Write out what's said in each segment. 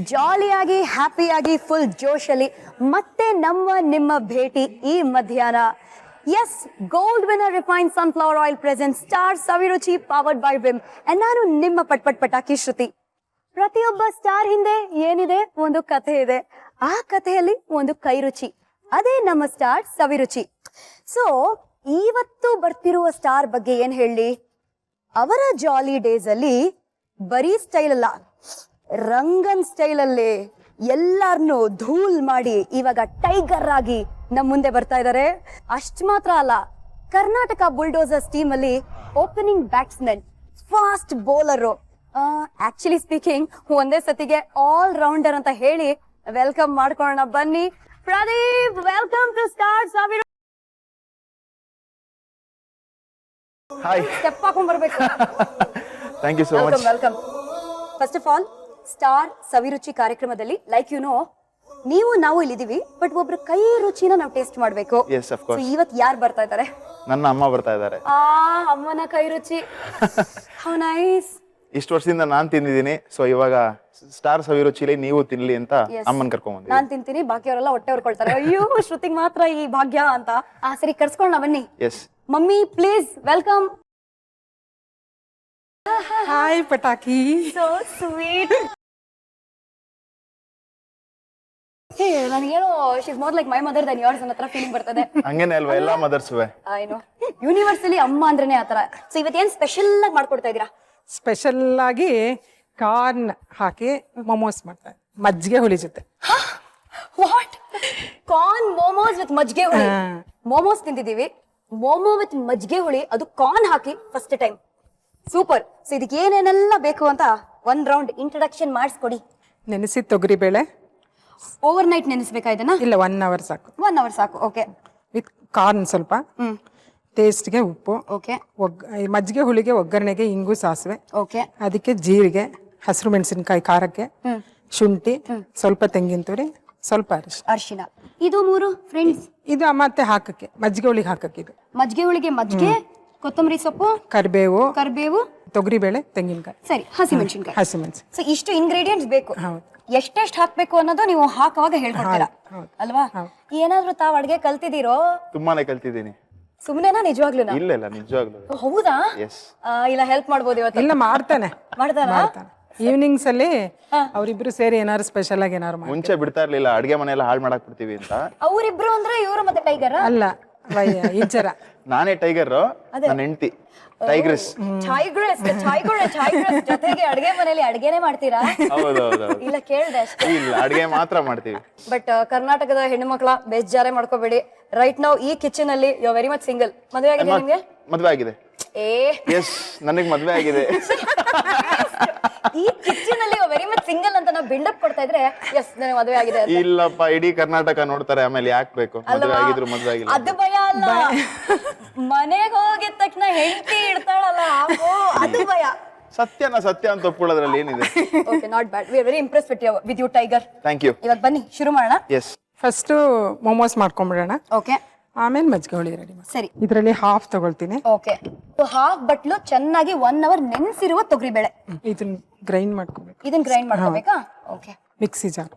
ಜಾಲಿಯಾಗಿ ಹ್ಯಾಪಿಯಾಗಿ full ಜೋಶಲ್ಲಿ ಮತ್ತೆ ನಿಮ್ಮ ಭೇಟಿ ಈ ಮಧ್ಯಾಹ್ನ. Yes, Gold Winner refined sunflower oil present Star Saviruchi powered by Vim. ನಾನು ನಿಮ್ಮ ಪಟಾಕಿ ಶ್ರುತಿ. ಪ್ರತಿಯೊಬ್ಬ ಸ್ಟಾರ್ ಹಿಂದೆ ಏನಿದೆ, ಒಂದು ಕಥೆ ಇದೆ. ಆ ಕಥೆಯಲ್ಲಿ ಒಂದು ಕೈರುಚಿ, ಅದೇ ನಮ್ಮ ಸ್ಟಾರ್ ಸವಿರುಚಿ. ಸೊ ಇವತ್ತು ಬರ್ತಿರುವ ಸ್ಟಾರ್ ಬಗ್ಗೆ ಏನ್ ಹೇಳಿ, ಅವರ ಜಾಲಿ ಡೇಸ್ ಅಲ್ಲಿ ಬರೀ ಸ್ಟೈಲ್ ಅಲ್ಲ, ರಂಗನ್ ಸ್ಟೈಲ್ ಅಲ್ಲಿ ಎಲ್ಲಾರನ್ನು ಧೂಲ್ ಮಾಡಿ ಇವಾಗ ಟೈಗರ್ ಆಗಿ ನಮ್ ಮುಂದೆ ಬರ್ತಾ ಇದ್ದಾರೆ. ಅಷ್ಟ್ ಮಾತ್ರ ಅಲ್ಲ, ಕರ್ನಾಟಕ ಬುಲ್ಡೋಸರ್ಸ್ ಟೀಮ್ ಅಲ್ಲಿ opening batsman, fast bowler, actually speaking ಒಂದೇ ಸತಿಗೆ ಆಲ್ ರೌಂಡರ್ ಅಂತ ಹೇಳಿ ವೆಲ್ಕಮ್ ಮಾಡ್ಕೊಳ್ಳೋಣ ಬನ್ನಿ. ಪ್ರದೀಪ್, ವೆಲ್ಕಮ್ ಟು ಸ್ಟಾರ್ ಸಾವಿರ. ಹಾಯ್, ಸ್ಟೆಪ್ ಹಾಕೊಂಡ್ ಬರ್ಬೇಕು. Thank you so much. Welcome. First of all, Star Saviruchi ಕಾರ್ಯಕ್ರಮದಲ್ಲಿ ಲೈಕ್ ಯು ನೋ, ನಾವು ಇಲ್ಲಿದೀವಿ, ಬಟ್ ಒಬ್ರ ಕೈ ರುಚಿನ ನಾವು ಟೇಸ್ಟ್ ಮಾಡ್ಬೇಕು. Yes, of course. ಇವತ್ ಯಾರು ಬರ್ತಾ ಇದ್ದಾರೆ? ನನ್ನ ಅಮ್ಮ ಬರ್ತಾ ಇದ್ದಾರೆ. ಅಮ್ಮನ ಕೈ ರುಚಿ. How nice. ಇಷ್ಟು ವರ್ಷದಿಂದ ನಾನ್ ತಿಂದಿದ್ದೀನಿ, ಸೊ ಇವಾಗ ಸ್ಟಾರ್ ಸವಿರುಚಿಲಿ ನೀವು ತಿನ್ಲಿ ಅಂತ ಅಮ್ಮನ್ ಕರ್ಕೊಂಡ್ ಬಂದಿದ್ದೀನಿ. ನಾನ್ ತಿಂತೀನಿ, ಬಾಕಿಯವರೆಲ್ಲ ಹೊಟ್ಟೆ ಹೊರ್ಕೊಳ್ತಾರೆ, ಅಯ್ಯೋ ಶ್ರುತಿಗ್ ಮಾತ್ರ ಈ ಭಾಗ್ಯ ಅಂತ. ಸರಿ, ಕರ್ಸ್ಕೊಳ್ಳೋಣ ಬನ್ನಿ. Yes mummy, please welcome. Hi Pataki. So sweet. Hey, ನನಗೇನೋ she's more like my mother than yours ಅನ್ನೋ ತರ ಫೀಲಿಂಗ್ ಬರ್ತದೆ. ಹಂಗೇನೆ ಅಲ್ವಾ ಎಲ್ಲ ಮದರ್ಸ್ವೆ? ಏನು ಯೂನಿವರ್ಸಲಿ ಅಮ್ಮ ಅಂದ್ರೇನೆ ಆತರ. ಸೊ ಇವತ್ತೇನ್ ಸ್ಪೆಷಲ್ ಆಗಿ ಮಾಡ್ಕೊಡ್ತಾ ಇದೀರಾ? ಸ್ಪೆಷಲ್ ಆಗಿ ಕಾರ್ನ್ ಹಾಕಿ ಮೊಮೋಸ್ ಮಾಡ್ತಾರೆ, ಮಜ್ಜಿಗೆ ಹುಳಿ ಜೊತೆ. ವಾಟ್? ಕಾರ್ನ್ ಮೋಮೋಸ್ ವಿತ್ ಮಜ್ಜಿಗೆ ಹುಳಿ. ಮೋಮೋಸ್ ತಿಂದಿದೀವಿ, ಮೋಮೋ ವಿತ್ ಮಜ್ಜಿಗೆ ಹುಳಿ, ಅದು ಕಾರ್ನ್ ಹಾಕಿ ಫಸ್ಟ್ ಟೈಮ್. ಸೂಪರ್. ಸೊ ಇದಕ್ಕೆ ಏನೇನೆಲ್ಲ ಬೇಕು ಅಂತ ಒಂದ್ ರೌಂಡ್ ಇಂಟ್ರಡಕ್ಷನ್ ಮಾಡಿಸ್ಕೊಡಿ. ನೆನೆಸಿ ತೊಗರಿ ಬೇಳೆ ಓವರ್ ನೈಟ್ ನೆನೆಸ್ಬೇಕಾ ಇದನ್ನ? ಇಲ್ಲ, 1 hour ಸಾಕು. 1 hour ಸಾಕು. ಓಕೆ. ವಿತ್ ಕಾರ್ನ್ ಸ್ವಲ್ಪ, ಟೇಸ್ಟ್ಗೆ ಉಪ್ಪು, ಓಕೆ. ಮಜ್ಜಿಗೆ ಹುಳಿಗೆ ಒಗ್ಗರಣೆಗೆ ಇಂಗು ಸಾಸಿವೆ, ಓಕೆ. ಅದಕ್ಕೆ ಜೀರಿಗೆ, ಹಸಿರು ಮೆಣಸಿನಕಾಯಿ ಖಾರಕ್ಕೆ, ಶುಂಠಿ, ಸ್ವಲ್ಪ ತೆಂಗಿನ ತುರಿ, ಸ್ವಲ್ಪ ಅರಿಶಿನ. ಇದು 3 ಫ್ರೆಂಡ್ಸ್. ಇದು ಮತ್ತೆ ಹಾಕಕ್ಕೆ, ಮಜ್ಜಿಗೆ ಹುಳಿಗೆ ಹಾಕಕ್ಕೆ. ಇದು ಮಜ್ಜಿಗೆ ಹುಳಿಗೆ ಮಜ್ಜಿಗೆ, ಕೊತ್ತಂಬರಿ ಸೊಪ್ಪು, ಕರಿಬೇವು, ತೊಗರಿ ಬೇಳೆ, ತೆಂಗಿನಕಾಯಿ, ಸರಿ, ಹಸಿಮೆಣಸಿನಕಾಯಿ. ಸೊ ಇಷ್ಟು ಇಂಗ್ರೀಡಿಯೆಂಟ್ಸ್ ಬೇಕು. ಎಷ್ಟೆಷ್ಟು ಹಾಕ್ಬೇಕು ಅನ್ನೋದು ನೀವು ಹಾಕುವಾಗ ಹೇಳ್ಕೊಡ್ತೀರಾ ಅಲ್ವಾ? ಏನಾದ್ರೂ ತಾವ್ ಅಡ್ಗೆ ಕಲ್ತಿದ್ದೀರೋ? ತುಂಬಾನೇ ಕಲ್ತಿದ್ದೀನಿ. ಸುಮ್ನೆನಾ ನಿಜವಾಗ್ಲೂ? ಇಲ್ಲ ಇಲ್ಲ, ನಿಜವಾಗ್ಲೂ. ಹೌದಾ? ಎಸ್. ಇಲ್ಲ, ಹೆಲ್ಪ್ ಮಾಡ್ಬೋದು ಇವತ್ತು? ಇಲ್ಲ, ಮಾಡ್ತಾನೆ. ಮಾಡ್ತಾರಾ? ಈವ್ನಿಂಗ್ಸ್ ಅಲ್ಲಿ ಅವರಿಬ್ರು ಸೇರಿ ಏನಾದ್ರು ಸ್ಪೆಷಲ್ ಆಗಿ ಏನಾದ್ರು ಮುಂಚೆ ಬಿಡ್ತಾ ಇರ್ಲಿಲ್ಲ, ಅಡ್ಗೆ ಮನೆಯೆಲ್ಲ ಹಾಳು ಮಾಡಕ್ ಬಿಡ್ತೀವಿ ಅಂತ. ಅವರಿಬ್ರು ಅಂದ್ರೆ ಇವರು ಮತ್ತೆ ಟೈಗರ್ ಅಲ್ಲ, ಇಂಚರ. ನಾನೇ ಟೈಗರ್, ನನ್ನ ಹೆಂಡತಿ ಟೈಗ್ರೆಸ್. ಜೊತೆಗೆ ಅಡ್ಗೆ ಮನೆಯಲ್ಲಿ ಅಡ್ಗೆನೆ ಮಾಡ್ತೀರಾ? ಹೌದೌದು. ಇಲ್ಲ, ಕೇಳ್ದೆ ಅಷ್ಟೇ. ಇಲ್ಲ, ಅಡ್ಗೆ ಮಾತ್ರ ಮಾಡ್ತೀವಿ. ಬಟ್ ಕರ್ನಾಟಕದ ಹೆಣ್ಣು ಮಕ್ಕಳ ಬೇಜಾರೇ ಮಾಡ್ಕೋಬೇಡಿ. ರೈಟ್ ನಾವು ಈ ಕಿಚನ್ ಅಲ್ಲಿ ಯು ವೆರಿ ಮಚ್ ಸಿಂಗಲ್. ಮದುವೆ ಆಗಿದೆ ನಿಮ್ಗೆ? ಮದ್ವೆ ಆಗಿದೆ. ಎಸ್, ನನಗೆ ಮದ್ವೆ ಆಗಿದೆ. ಈ ಕಿಚನ್ ಅಲ್ಲಿ ವೆರಿ ಮಚ್ ಸಿಂಗಲ್ ಅಂತ ನಾವು ಬಿಲ್ಡಪ್ ಕೊಡ್ತಾ ಇದ್ರೆ ಎಸ್, ನನಗೆ ಮದುವೆ ಆಗಿದೆ. ಇಲ್ಲಪ್ಪ, ಇಡೀ ಕರ್ನಾಟಕ ನೋಡ್ತಾರೆ, ಆಮೇಲೆ ಯಾಕೆ ಬೇಕು? ಮದುವೆ ಆಗಿದ್ರು ಮದುವೆ ಆಗಿಲ್ಲ ಅದು ಭಯ ಅಲ್ಲ, ಮನೆಗೆ ಹೋಗಿದ ತಕ್ಷಣ ಹೆಂಡತಿ ಇಡ್ತಾಳಲ್ಲ, ಅದು ಭಯ. ಸತ್ಯ ಅಂತ ಒಪ್ಕೊಳ್ಳೋದ್ರಲ್ಲಿ ಏನಿದೆ? Okay, not bad. We are very impressed with you tiger. Thank you. ಇವತ್ತು ಬನ್ನಿ ಶುರು ಮಾಡೋಣ. ಎಸ್. ಫಸ್ಟ್ ಮೊಮೋಸ್ ಮಾಡ್ಕೊಂಡ್ಬಿಡೋಣ. ಓಕೆ. ಆಮೇಲೆ ಮಜ್ಜಿಗೆ ಹುಳಿ ರೆಡಿ. ಸರಿ. ಇದರಲ್ಲಿ ಹಾಫ್ ತಗೊಳ್ತೀನಿ. ಓಕೆ. ಹಾಫ್ ಬಟ್ಲು ಚೆನ್ನಾಗಿ 1 hour ನೆನೆಸಿರುವ ತೊಗರಿ ಬೇಳೆ. ಇದನ್ನ ಗ್ರೈಂಡ್ ಮಾಡ್ಕೋಬೇಕು. ಇದನ್ನ ಗ್ರೈಂಡ್ ಮಾಡ್ಕೋಬೇಕಾ? ಓಕೆ. Mixie jar.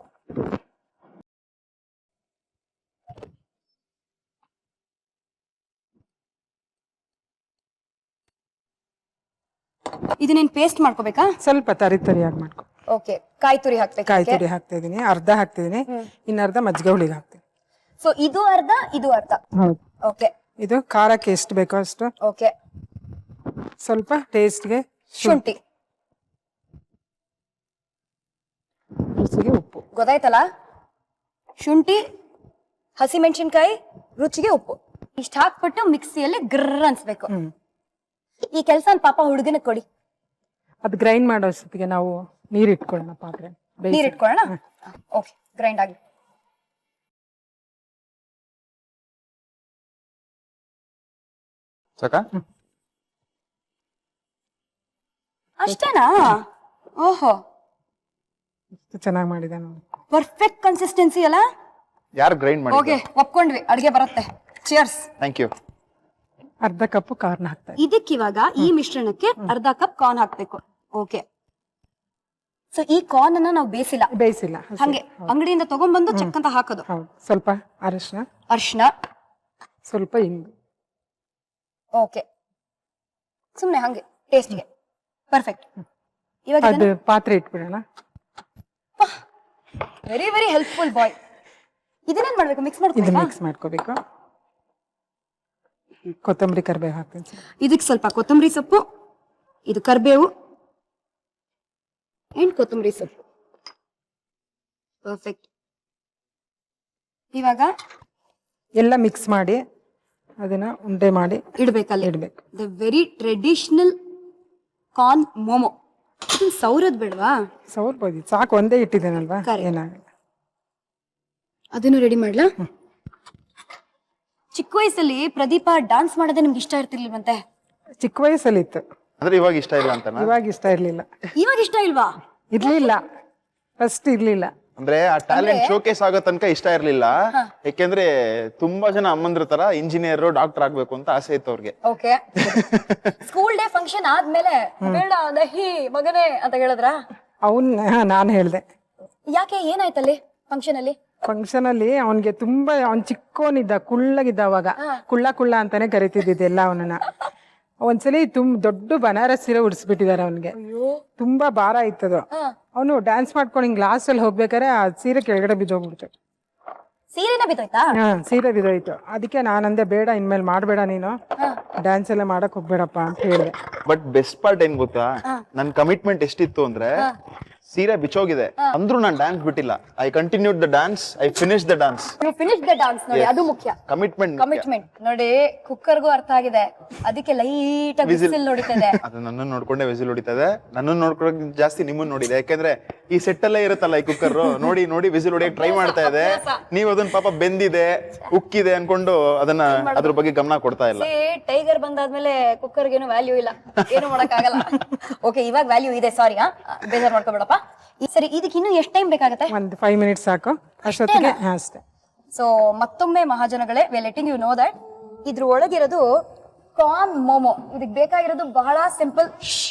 ಇದನ್ನೇನು ಪೇಸ್ಟ್ ಮಾಡ್ಕೋಬೇಕಾ? ಸ್ವಲ್ಪ ತರಿಯಾಗಿ ಮಾಡ್ಕೊ. ಓಕೆ. ಕಾಯಿ ತುರಿ ಹಾಕ್ಬೇಕು. ಕಾಯಿ ತುರಿ ಹಾಕ್ತಾ ಇದೀನಿ, ಅರ್ಧ ಹಾಕ್ತಿದೀನಿ, ಇನ್ನರ್ಧ ಮಜ್ಜಿಗೆ ಹುಳಿಗೆ ಹಾಕ್ತೀನಿ. ಸೊ ಇದು ಅರ್ಧ, ಇದು ಅರ್ಧ. ಹೌದು. ಓಕೆ. ಇದು ಖಾರಕ್ಕೆ ಎಷ್ಟು ಬೇಕೋ ಅಷ್ಟು. ಓಕೆ. ಸ್ವಲ್ಪ ಟೇಸ್ಟ್ಗೆ ಶುಂಠಿ, ರುಚಿಗೆ ಉಪ್ಪು. ಗೊತ್ತಾಯ್ತಲ್ಲ? ಶುಂಠಿ, ಹಸಿಮೆಣಸಿನ್ಕಾಯಿ, ರುಚಿಗೆ ಉಪ್ಪು, ಇಷ್ಟ ಹಾಕ್ಬಿಟ್ಟು ಮಿಕ್ಸಿಯಲ್ಲಿ ಗ್ರರ್ ಅನ್ಸ್ಬೇಕು. ಈ ಕೆಲಸ ಪಾಪ ಹುಡುಗನ ಕೊಡಿ. ಅದು ಗ್ರೈಂಡ್ ಮಾಡೋ ಅಷ್ಟೊತ್ತಿಗೆ ನಾವು ನೀರ್ ಇಟ್ಕೊಳ್ಳೋಣ, ಪಾತ್ರೆ ನೀರ್ ಇಟ್ಕೊಳ್ಳೋಣ. ಓಕೆ, ಗ್ರೈಂಡ್ ಆಗಿ. ಸಾಕಾ? ಅಷ್ಟೇನಾ? ಓಹೋ, ಚೆನ್ನಾಗಿ ಮಾಡಿದೆ ನೋಡಿ. ಪರ್ಫೆಕ್ಟ್ ಕನ್ಸಿಸ್ಟೆನ್ಸಿ ಅಲ್ಲ? ಯಾರು ಗ್ರೈಂಡ್ ಮಾಡಿ? ಓಕೆ, ಒಪ್ಕೊಂಡ್ವಿ, ಅಡ್ಗೆ ಬರುತ್ತೆ. ಚಿಯರ್ಸ್. Thank you. ಅರ್ಧ ಕಪ್ ಕಾರ್ನ್ ಹಾಕ್ತಾ. ಇದಕ್ಕಿವಾಗ ಈ ಮಿಶ್ರಣಕ್ಕೆ ಅರ್ಧ ಕಪ್ ಕಾರ್ನ್ ಹಾಕ್ಬೇಕು. ಓಕೆ. ಸೊ ಈ ಕಾರ್ನ್ ಅನ್ನ ನಾವು ಬೇಯಿಸಿಲ್ಲ, ಬೇಯಿಸಿಲ್ಲ, ಹಂಗೆ ಅಂಗಡಿಯಿಂದ ತಗೊಂಡ್ಬಂದು ಚೆಕ್ ಅಂತ ಹಾಕೋದು. ಹೌದು. ಸ್ವಲ್ಪ ಅರಿಶಿನ, ಅರ್ಶಿನ, ಸ್ವಲ್ಪ ಇಂಗು. ಓಕೆ, ಸುಮ್ನೆ ಹಂಗೆ ಟೇಸ್ಟ್ಗೆ ಪರ್ಫೆಕ್ಟ್. ಇವಾಗ ಅದು ಪಾತ್ರೆ ಇಟ್ಬಿಡೋಣ. Very very helpful boy. ಇದನ್ನೇನ್ ಮಾಡ್ಬೇಕು, ಮಿಕ್ಸ್ ಇದು ಮಾಡ್ಬೇಕು. ಮಿಕ್ಸ್ ಮಾಡ್ಕೋಬೇಕು. ಕೊತ್ತಂಬರಿ ಕರಿಬೇವು ಹಾಕ್ತೀನಿ ಸರ್. ಇದಕ್ಕೆ ಸ್ವಲ್ಪ ಕೊತ್ತಂಬರಿ ಸೊಪ್ಪು, ಇದು ಕರಿಬೇವು ಅಂಡ್ ಕೊತ್ತಂಬರಿ ಸೊಪ್ಪು. ಪರ್ಫೆಕ್ಟ್. ಇವಾಗ ಎಲ್ಲ ಮಿಕ್ಸ್ ಮಾಡಿ ಅದನ್ನ ಉಂಡೆ ಮಾಡಿ ಇಡ್ಬೇಕಲ್ಲ, ಇಡ್ಬೇಕು. The very traditional corn momo. ಸೌರದ್ ಬೇಡವಾ? ಸೌರ್ಬೋದು, ಸಾಕು, ಒಂದೇ ಇಟ್ಟಿದ್ದೇನಲ್ವಾ, Correct. ಏನಾಗಲ್ಲ. ಅದನ್ನು ರೆಡಿ ಮಾಡ್ಲಾ? ಚಿಕ್ಕ ವಯಸ್ಸಲ್ಲಿ ಪ್ರದೀಪ ಡಾನ್ಸ್ ಮಾಡೋದೇ ನಿಮ್ಗೆ ಇಷ್ಟ ಇರ್ತಿರ್ಲಿಲ್ವಂತೆ? ಚಿಕ್ಕ ವಯಸ್ಸಲ್ಲಿ ಇತ್ತು, ಅಂದ್ರೆ ಇವಾಗ ಇಷ್ಟ ಇಲ್ಲ ಅಂತನಾ? ಇವಾಗ ಇಷ್ಟ ಇರ್ಲಿಲ್ಲ. ಇವಾಗ ಇಷ್ಟ ಇಲ್ವಾ? ಇರ್ಲಿಲ್ಲ, ಫಸ್ಟ್ ಇರ್ಲಿಲ್ಲ. ಅಂದ್ರೆ ಆ ಟ್ಯಾಲೆಂಟ್ ಶೋಕೇಸ್ ಆಗೋ ತನಕ ಇಷ್ಟ ಇರ್ಲಿಲ್ಲ. ಯಾಕೆಂದ್ರೆ ತುಂಬಾ ಜನ ಅಮ್ಮಂದ್ರ ತರ ಇಂಜಿನಿಯರ್, ಡಾಕ್ಟರ್ ಆಗ್ಬೇಕು ಅಂತ ಆಸೆ ಇತ್ತು ಅವ್ರಿಗೆ. ಓಕೆ. ಸ್ಕೂಲ್ ಡೇ ಫಂಕ್ಷನ್ ಆದ್ಮೇಲೆ ಬೇಡ ದಹಿ ಮಗನೇ ಅಂತ ಹೇಳಿದ್ರ? ನಾನು ಹೇಳ್ದೆ. ಯಾಕೆ, ಏನಾಯ್ತಲ್ಲಿ ಫಂಕ್ಷನ್ ಅಲ್ಲಿ? ಫಂಕ್ಷನ್ ಅಲ್ಲಿ ಅವನ್ಗೆ ತುಂಬಾ, ಅವ್ನ್ ಚಿಕ್ಕೋನಿದ್ದ, ಕುಳ್ಳಗಿದ್ದ. ಅವಾಗ ಕುಳ್ಳ ಅಂತಾನೆ ಕರಿತಿದ್ದಿದ್ದೆಲ್ಲ ಅವನನ್ನ. ಒಂದ್ಸಲಿ ದೊಡ್ಡ ಬನಾರಸ್ ಸೀರೆ ಉಡ್ಸ್ಬಿಟ್ಟಿದಾರೆ ಅವನ್ಗೆ. ತುಂಬಾ ಭಾರ ಇತ್ತದು. ಅವನು ಡ್ಯಾನ್ಸ್ ಮಾಡ್ಕೊಂಡು ಹಿಂಗ್ ಗ್ಲಾಸ್ ಅಲ್ಲಿ ಹೋಗ್ಬೇಕಾರೆ ಆ ಸೀರೆ ಕೆಳಗಡೆ ಬಿದ್ದೋಗ್ಬಿಡ್ತು. ಸೀರೆನ ಬಿದ್ದೋಯ್ತಾ? ಸೀರೆ ಬಿದ್ದೋಯ್ತು. ಅದಕ್ಕೆ ನಾನಂದೆ, ಬೇಡ ಇನ್ಮೇಲೆ ಮಾಡ್ಬೇಡ ನೀನು, ಡ್ಯಾನ್ಸ್ ಎಲ್ಲ ಮಾಡಕ್ ಹೋಗ್ಬೇಡಪ್ಪ ಅಂತ ಹೇಳಿದೆ. ಬಟ್ ಬೆಸ್ಟ್ ಪಾರ್ಟ್ ಏನ್ ಗೊತ್ತಾ, ನನ್ ಕಮಿಟ್ಮೆಂಟ್ ಎಷ್ಟಿತ್ತು ಅಂದ್ರೆ ಸೀರೆ ಬಿಚ್ಚೋಗಿದೆ ಅಂದ್ರೂ ನಾನು ಡ್ಯಾನ್ಸ್ ಬಿಟ್ಟಿಲ್ಲ. I continued the dance, I finish the dance. ನೀವು ಫಿನಿಶ್ ದ ಡಾನ್ಸ್ ನೋಡಿ, ಅದು ಮುಖ್ಯ. ಕಮಿಟ್ಮೆಂಟ್ ನೋಡಿ, ಕುಕ್ಕರ್ಗೂ ಅರ್ಥ ಆಗಿದೆ. ಅದಕ್ಕೆ ಲೈಟ್ ಆಗಿ ವಿಸಿಲ್ ನೋಡಿತದೆ. ಅದು ನನ್ನನ್ನು ನೋಡ್ಕೊಂಡೆ ವಿಸಿಲ್ ಹೊಡಿತದೆ. ನನ್ನನ್ನು ನೋಡ್ಕೊಳಕ್ ಜಾಸ್ತಿ ನಿಮ್ಮನ್ನ ನೋಡಿದೆ. ಯಾಕೆಂದ್ರೆ ಈ ಸೆಟ್ ಅಲ್ಲೇ ಇರುತ್ತಲ್ಲ ಈ ಕುಕ್ಕರ್, ನೋಡಿ ನೋಡಿ ವಿಸಿಲ್ ಹೊಡಿಯಕ್ ಟ್ರೈ ಮಾಡ್ತಾ ಇದೆ. ನೀವು ಅದನ್ನ ಪಾಪ ಬೆಂದಿದೆ, ಉಕ್ಕಿದೆ ಅನ್ಕೊಂಡು ಅದನ್ನ ಅದ್ರ ಬಗ್ಗೆ ಗಮನ ಕೊಡ್ತಾ ಇಲ್ಲ. ಟೈಗರ್ ಬಂದಾದ್ಮೇಲೆ ಕುಕ್ಕರ್ಗೆ ಏನು ವ್ಯಾಲ್ಯೂ ಇಲ್ಲ, ಏನು ಮಾಡಕ್ ಆಗಲ್ಲ. ಓಕೆ, ಇವಾಗ ವ್ಯಾಲ್ಯೂ ಇದೆ. ಸಾರಿ, ಬೇಜಾರ್ ಮಾಡ್ಕೋಬೇಡಪ್ಪ. ಸರಿ, ಇದಕ್ಕೆ ಇನ್ನು ಎಷ್ಟು ಟೈಮ್ ಬೇಕಾಗತ್ತೆ? ಒಂದು 5 ಮಿನಿಟ್ಸ್ ಸಾಕು ಅಷ್ಟೊತ್ತಿಗೆ. ಅಷ್ಟೇ. ಸೊ ಮತ್ತೊಮ್ಮೆ ಮಹಾಜನಗಳೇ, we letting you know that ಇದ್ರ ಒಳಗಿರೋದು ಕಾರ್ನ್ ಮೋಮೋ. ಇದಕ್ಕೆ ಬೇಕಾಗಿರೋದು ಬಹಳ ಸಿಂಪಲ್.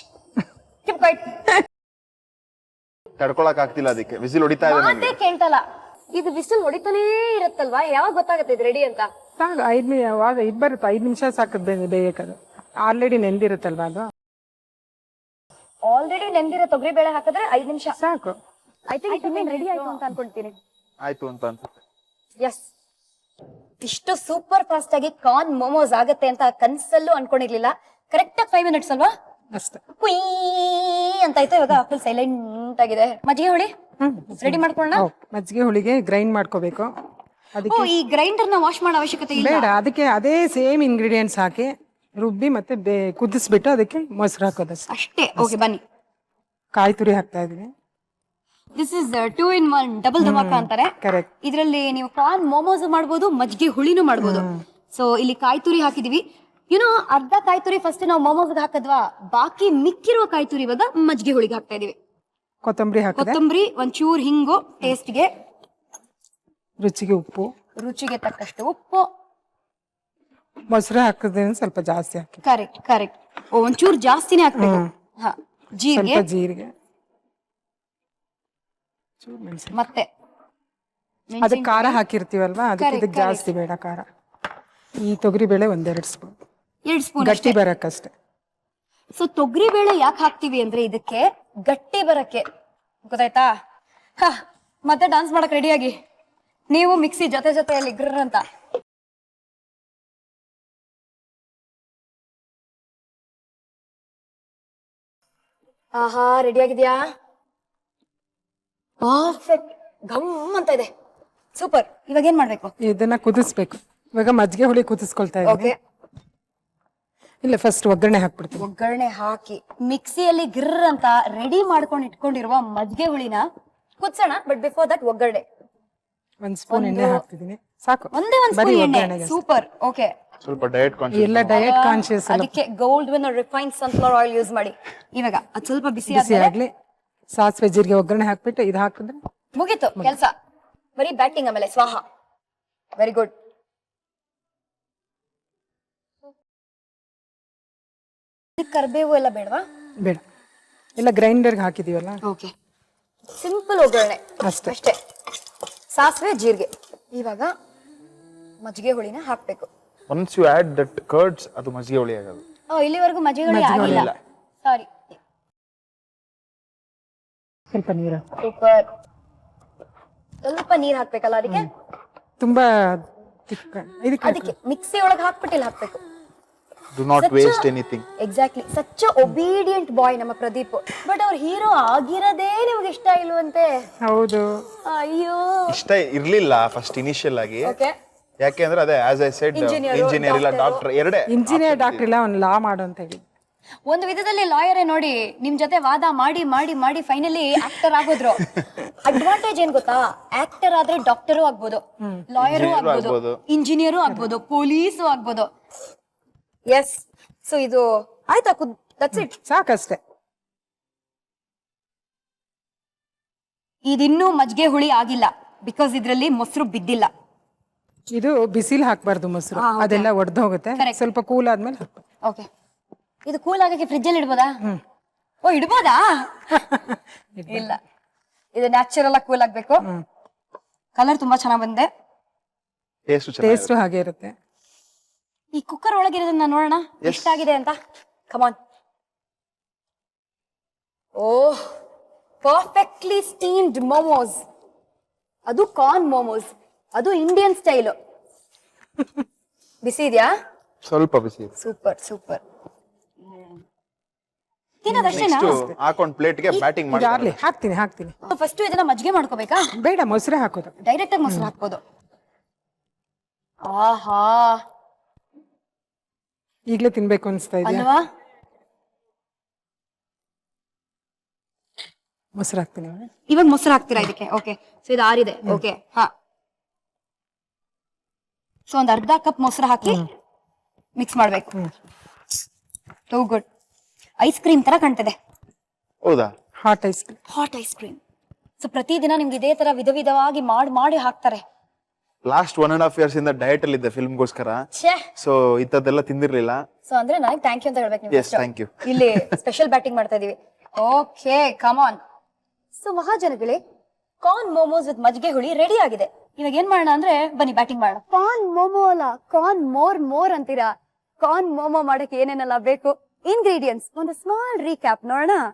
ತಡ್ಕೊಳಕ್ ಆಗ್ತಿಲ್ಲ, ಅದಕ್ಕೆ ವಿಸಿಲ್ ಹೊಡಿತಾ ಇದೆ ನನಗೆ. ಮಾತೇ ಕೇಳ್ತಲ್ಲ. ಇದು ವಿಸಿಲ್ ಹೊಡಿತಾನೇ ಇರುತ್ತಲ್ವಾ, ಯಾವಾಗ ಗೊತ್ತಾಗತ್ತೆ ಇದು ರೆಡಿ ಅಂತ? ಸಾಕು, 5 ಬರುತ್ತೆ, 5 ನಿಮಿಷ ಸಾಕು ಬೇಯಕ್ಕದು. ಆಲ್ರೆಡಿ ನೆಂದಿರುತ್ತಲ್ವಾ ಅದು. ಆಲ್ರೆಡಿ ನೆಂದಿರೋ ತೊಗರಿ ಬೇಳೆ ಹಾಕಿದ್ರೆ 5 ನಿಮಿಷ ಸಾಕು. ಐ ಥಿಂಕ್ ಇನ್ನೇನು ರೆಡಿ ಆಯ್ತು ಅಂತ ಅನ್ಕೊಳ್ತೀನಿ. ಆಯ್ತು ಅಂತ ಅನ್ಸುತ್ತೆ. ಎಸ್, ಇಷ್ಟು ಸೂಪರ್ ಫಾಸ್ಟ್ ಆಗಿ ಕಾರ್ನ್ ಮೋಮೋಸ್ ಆಗತ್ತೆ ಅಂತ ಕನ್ಸಲ್ಲೂ ಅನ್ಕೊಂಡಿರ್ಲಿಲ್ಲ. ಕರೆಕ್ಟ್ ಆಗಿ 5 ಮಿನಿಟ್ಸ್ ಅಲ್ವಾ? ಅಷ್ಟೇ. ಕುಯ್ ಅಂತ ಆಯ್ತು. ಇವಾಗ ಫುಲ್ ಸೈಲೆಂಟ್ ಆಗಿದೆ. ಮಜ್ಜಿಗೆ ಹುಳಿ ರೆಡಿ ಮಾಡ್ಕೊಳ್ಳೋಣ. ಮಜ್ಜಿಗೆ ಹುಳಿಗೆ ಗ್ರೈಂಡ್ ಮಾಡ್ಕೋಬೇಕು. ಅದಕ್ಕೆ ಈ ಗ್ರೈಂಡರ್ ನ ವಾಶ್ ಮಾಡೋ ಅವಶ್ಯಕತೆ ಇಲ್ಲ. ಬೇಡ, ಅದಕ್ಕೆ ಅದೇ ಸೇಮ್ ಇಂಗ್ರೀಡಿಯೆಂಟ್ಸ್ ಹಾಕಿ ರುಬ್ಬಿ ಮತ್ತೆ ಕುದಿಸ್ಬಿಟ್ಟು ಅದಕ್ಕೆ ಮೊಸರು ಹಾಕೋದಷ್ಟೇ. ಅಷ್ಟೇ. ಓಕೆ, ಬನ್ನಿ. ಕಾಯಿ ತುರಿ ಹಾಕ್ತಾ ಇದೀನಿ. ದಿಸ್ ಇಸ್ 2 in 1 ಡಬಲ್ ಧಮಾಕ ಅಂತಾರೆ. ಕರೆಕ್ಟ್. ಇದರಲ್ಲಿ ನೀವು ಕಾರ್ನ್ ಮೋಮೋಸ್ ಮಾಡ್ಬೋದು, ಮಜ್ಜಿಗೆ ಹುಳಿನೂ ಮಾಡ್ಬೋದು. ಸೊ ಇಲ್ಲಿ ಕಾಯಿ ತುರಿ ಹಾಕಿದೀವಿ. ಅರ್ಧ ಕಾಯಿ ತುರಿ ಫಸ್ಟ್ ನಾವು ಮೋಮೋಸ್ಗೆ ಹಾಕದ್ವಾ, ಬಾಕಿ ಮಿಕ್ಕಿರುವ ಕಾಯಿ ತುರಿ ಇವಾಗ ಮಜ್ಜಿಗೆ ಹುಳಿಗೆ ಹಾಕ್ತಾ ಇದೀವಿ. ಕೊತ್ತಂಬರಿ ಹಾಕಿದೆ. ಕೊತ್ತಂಬರಿ, ಒಂಚೂರು ಹಿಂಗು ಟೇಸ್ಟ್ಗೆ, ರುಚಿಗೆ ಉಪ್ಪು, ರುಚಿಗೆ ತಕ್ಕಷ್ಟು ಉಪ್ಪು, ಮೊಸರು ಹಾಕಿದ್ರೆ ಸ್ವಲ್ಪ ಜಾಸ್ತಿ ಹಾಕಿ. ಕರೆಕ್ಟ್. ಒಂಚೂರು ಜಾಸ್ತಿನೇ ಹಾಕ್ಬೇಕು. ಜೀರಿಗೆ, ಸ್ವಲ್ಪ ಜೀರಿಗೆ, ಮತ್ತೆ ಅದಕ್ಕೆ ಖಾರ ಹಾಕಿರ್ತೀವಲ್ವಾ, ಅದಕ್ಕೆ ಇದಕ್ಕೆ ಜಾಸ್ತಿ ಬೇಡ ಖಾರ. ಈ ತೊಗರಿ ಬೇಳೆ 1-2 ಸ್ಪೂನ್, 2 ಸ್ಪೂನ್ ಗಟ್ಟಿ ಬರಕ್ಕಷ್ಟೇ. ಸೊ ತೊಗರಿ ಬೇಳೆ ಯಾಕೆ ಹಾಕ್ತಿವಿ ಅಂದ್ರೆ ಇದಕ್ಕೆ ಗಟ್ಟಿ ಬರಕ್ಕೆ, ಗೊತ್ತಾಯ್ತಾ? ಮತ್ತೆ ಡಾನ್ಸ್ ಮಾಡಕ್ ರೆಡಿಯಾಗಿ ನೀವು ಮಿಕ್ಸಿ ಜೊತೆಯಲ್ಲಿ ಗ್ರರ್ ಅಂತ. ಆಹಾ, ರೆಡಿ ಆಗಿದ್ಯಾ? ಪರ್ಫೆಕ್ಟ್, ಘಮ್ ಅಂತ ಇದೆ. ಸೂಪರ್. ಇವಾಗ ಏನ್ ಮಾಡ್ಬೇಕು? ಇದನ್ನ ಕುದಿಸ್ಬೇಕು. ಇವಾಗ ಮಜ್ಜಿಗೆ ಹುಳಿ ಕುದಿಸ್ಕೊಳ್ತಾ ಇದ್ದೀನಿ. ಇಲ್ಲ, ಫಸ್ಟ್ ಒಗ್ಗರಣೆ ಹಾಕ್ಬಿಡ್ತೀನಿ. ಒಗ್ಗರಣೆ ಹಾಕಿ ಮಿಕ್ಸಿಯಲ್ಲಿ ಗಿರ್ ಅಂತ ರೆಡಿ ಮಾಡ್ಕೊಂಡು ಇಟ್ಕೊಂಡಿರುವ ಮಜ್ಜಿಗೆ ಹುಳಿನ ಕುದಿಸೋಣ. ಬಟ್ ಬಿಫೋರ್ ದಟ್ ಒಗ್ಗರಣೆ 1 ಸ್ಪೂನ್ ಎಣ್ಣೆ ಹಾಕ್ತಿದ್ದೀನಿ. ಸಾಕು, ಒಂದೇ 1 ಸ್ಪೂನ್ ಎಣ್ಣೆ. ಸೂಪರ್. ಓಕೆ, ಸ್ವಲ್ಪ ಡಯಟ್ ಕಾನ್ಶಿಯಸ್. ಎಲ್ಲ ಡಯಟ್ ಕಾನ್ಶಿಯಸ್. ಅದಕ್ಕೆ Gold Winner refined sunflower oil use ಮಾಡಿ. ಇವಾಗ ಅದು ಸ್ವಲ್ಪ ಬಿಸಿ ಆಗ್ಲಿ. ಸಾಸಿವೆ ಜೀರಿಗೆ ಒಗ್ಗರಣೆ ಹಾಕ್ಬಿಟ್ಟು ಇದು ಹಾಕಿದ್ರೆ ಮುಗೀತು ಕೆಲಸ. ಬರೀ ಬ್ಯಾಟಿಂಗ್, ಆಮೇಲೆ ಸ್ವಾಹ. Very good. ಕರ್ಬೇವು ಎಲ್ಲ ಬೇಡವಾ? ಬೇಡ, ಎಲ್ಲ ಗ್ರೈಂಡರ್ಗೆ ಹಾಕಿದೀವಲ್ಲ. ಓಕೆ, ಸಿಂಪಲ್ ಒಗ್ಗರಣೆ ಅಷ್ಟೇ. ಅಷ್ಟೇ. ಸಾಸಿವೆ ಜೀರಿಗೆ. ಇವಾಗ ಮಜ್ಜಿಗೆ ಹುಳಿನ ಹಾಕ್ಬೇಕು. Once you add that curds ಅದು ಮಜ್ಜಿಗೆ ಹುಳಿ ಆಗೋದು. ಇಲ್ಲಿವರೆಗೂ ಮಜ್ಜಿಗೆ ಹುಳಿ ಆಗಿಲ್ಲ. ಸಾರಿ. ಸ್ವಲ್ಪ ನೀರು. ಸೂಪರ್. ಸ್ವಲ್ಪ ನೀರ್ ಹಾಕ್ಬೇಕಲ್ಲ ಅದಕ್ಕೆ? ತುಂಬಾ ತಿಕ್ಕ ಇದಕ್ಕೆ ಅದಕ್ಕೆ ಮಿಕ್ಸಿ ಒಳಗೆ ಹಾಕ್ಬಿಟ್ಟಿಲ್ಲ ಹಾಕ್ಬೇಕು. Do not waste anything. Exactly. Such obedient boy ನಮ್ಮ ಪ್ರದೀಪ್. ಬಟ್ ಅವ್ರ ಹೀರೋ ಆಗಿರೋದೇ ನಿಮ್ಗೆ ಇಷ್ಟ ಇಲ್ವಂತೆ. ಹೌದು. ಅಯ್ಯೋ. ಇಷ್ಟ ಇರ್ಲಿಲ್ಲ ಫಸ್ಟ್ ಇನಿಷಿಯಲ್ ಆಗಿ. ಓಕೆ. ಯಾಕೆ ಅಂದ್ರೆ ಅದೇ ಆಸ್ ಐ ಸೆಡ್ ಇಂಜಿನಿಯರ್ ಇಲ್ಲ ಡಾಕ್ಟರ್ ಎರಡೇ. ಇಂಜಿನಿಯರ್ ಡಾಕ್ಟರ್ ಇಲ್ಲ ಅವ್ನು ಲಾ ಮಾಡು ಅಂತ ಹೇಳಿ. ಒಂದು ವಿಧದಲ್ಲಿ ಲಾಯರೇ ನೋಡಿ ನಿಮ್ ಜೊತೆ ವಾದ ಮಾಡಿ ಮಾಡಿ ಮಾಡಿ ಫೈನಲಿ ಆಕ್ಟರ್ ಆಗೋದ್ರು. ಅಡ್ವಾಂಟೇಜ್ ಏನ್ ಗೊತ್ತಾ? ಆಕ್ಟರ್ ಆದ್ರೆ ಡಾಕ್ಟರು ಆಗ್ಬೋದು, ಲಾಯರು ಆಗ್ಬೋದು, ಇಂಜಿನಿಯರು ಆಗ್ಬೋದು, ಪೊಲೀಸು ಆಗ್ಬೋದು. ಎಸ್. ಸೊ ಇದು ಆಯ್ತಾ? That's it. ಸಾಕಷ್ಟೇ. ಇದಿನ್ನೂ ಮಜ್ಜಿಗೆ ಹುಳಿ ಆಗಿಲ್ಲ ಬಿಕಾಸ್ ಇದ್ರಲ್ಲಿ ಮೊಸರು ಬಿದ್ದಿಲ್ಲ. ಇದು ಬಿಸಿಲ್ ಹಾಕ್ಬಾರ್ದು ಮೊಸರು, ಅದೆಲ್ಲ ಒಡೆದು ಹೋಗುತ್ತೆ. ಸ್ವಲ್ಪ ಕೂಲ್ ಆದ್ಮೇಲೆ ಹಾಕ್ಬೇಕು. ಓಕೆ. ಇದು ಕೂಲ್ ಆಗಕ್ಕೆ ಫ್ರಿಜ್ ಅಲ್ಲಿ ಇಡ್ಬೋದಾ? ಓ ಇಡ್ಬೋದಾ? ಇಲ್ಲ, ಇದು ನ್ಯಾಚುರಲ್ ಆಗಿ ಕೂಲ್ ಆಗ್ಬೇಕು. ಕಲರ್ ತುಂಬಾ ಚೆನ್ನಾಗ್ ಬಂದೆ. ಟೇಸ್ಟ್ ಹಾಗೆ ಇರುತ್ತೆ. ಈ ಕುಕ್ಕರ್ ಒಳಗಿರೋದನ್ನ ನೋಡೋಣ ಎಷ್ಟಾಗಿದೆ ಅಂತ. Come on. Oh, perfectly steamed momos. ಅದು ಕಾರ್ನ್ ಮೋಮೋಸ್, ಅದು ಇಂಡಿಯನ್ ಸ್ಟೈಲ್. ಬಿಸಿ ಇದೆಯಾ? ಸ್ವಲ್ಪ ಬಿಸಿ. Super super. ತಿನ್ನೋದಷ್ಟೇನಾ? ಹಾಕೊಂಡ್ ಪ್ಲೇಟ್ಗೆ ಬ್ಯಾಟಿಂಗ್ ಮಾಡಿ. ಹಾಕ್ತೀನಿ. ಫಸ್ಟ್ ಇದನ್ನ ಮಜ್ಜಿಗೆ ಮಾಡ್ಕೋಬೇಕಾ? ಬೇಡ, ಮೊಸರೇ ಹಾಕೋದು. ಡೈರೆಕ್ಟ್ ಆಗಿ ಮೊಸರು ಹಾಕ್ಬೋದು. ಆಹಾ, ಈಗ್ಲೇ ತಿನ್ಬೇಕು ಅನ್ಸ್ತಾ ಇದೆ ಅಲ್ವಾ? ಮೊಸರು ಹಾಕ್ತೀನಿ. ಇವಾಗ ಮೊಸರು ಹಾಕ್ತೀರಾ ಇದಕ್ಕೆ? ಓಕೆ. ಸೊ ಇದು ಆರಿದೆ. ಓಕೆ. ಹಾ. ಸೊ ಒಂದ್ ಅರ್ಧ ಕಪ್ ಮೊಸರು ಹಾಕಿ ಮಿಕ್ಸ್ ಮಾಡ್ಬೇಕು. Too good. ಐಸ್ ಕ್ರೀಮ್ ತರ ಕಾಣ್ತದೆ. ಹೌದಾ? Hot ice cream. Hot ice cream. So ಪ್ರತಿದಿನ ನಿಮ್ಗೆ ಇದೇ ತರ ವಿಧ ವಿಧವಾಗಿ ಮಾಡಿ ಹಾಕ್ತಾರೆ. ಲಾಸ್ಟ್ 1.5 years ಇಂದ ಡಯಟ್ ಅಲ್ಲಿ ಇದ್ದೆ ಫಿಲ್ಮ್ಗೋಸ್ಕರ. ಸೊ ಇಂಥದ್ದೆಲ್ಲ ತಿಂದಿರ್ಲಿಲ್ಲ. ಸೊ ಅಂದ್ರೆ ನನಗೆ ಥ್ಯಾಂಕ್ ಯು ಅಂತ ಹೇಳ್ಬೇಕು. Yes, thank you. ಇಲ್ಲಿ ಸ್ಪೆಷಲ್ ಬ್ಯಾಟಿಂಗ್ ಮಾಡ್ತಾ ಇದೀವಿ. Okay, come on. ಸೊ ಮಹಾಜನಗಳೇ, ಕಾರ್ನ್ ಮೋಮೋಸ್ ವಿತ್ ಮಜ್ಜಿಗೆ ಹುಳಿ ರೆಡಿ ಆಗಿದೆ. ಇವಾಗ ಏನ್ ಮಾಡೋಣ ಅಂದ್ರೆ ಬನ್ನಿ ಬ್ಯಾಟಿಂಗ್ ಮಾಡೋಣ. ಕಾರ್ನ್ ಮೋಮೋ ಅಲ್ಲ, ಕಾರ್ನ್ ಮೋರ್ ಅಂತೀರಾ? ಕಾರ್ನ್ ಮೋಮೋ ಮಾಡಕ್ಕೆ ಏನೇನೆಲ್ಲ ಬೇಕು? ಇಂಗ್ರೀಡಿಯೆಂಟ್ಸ್ ಒಂದು ಸ್ಮಾಲ್ ರೀಕ್ಯಾಪ್ ನೋಡೋಣ.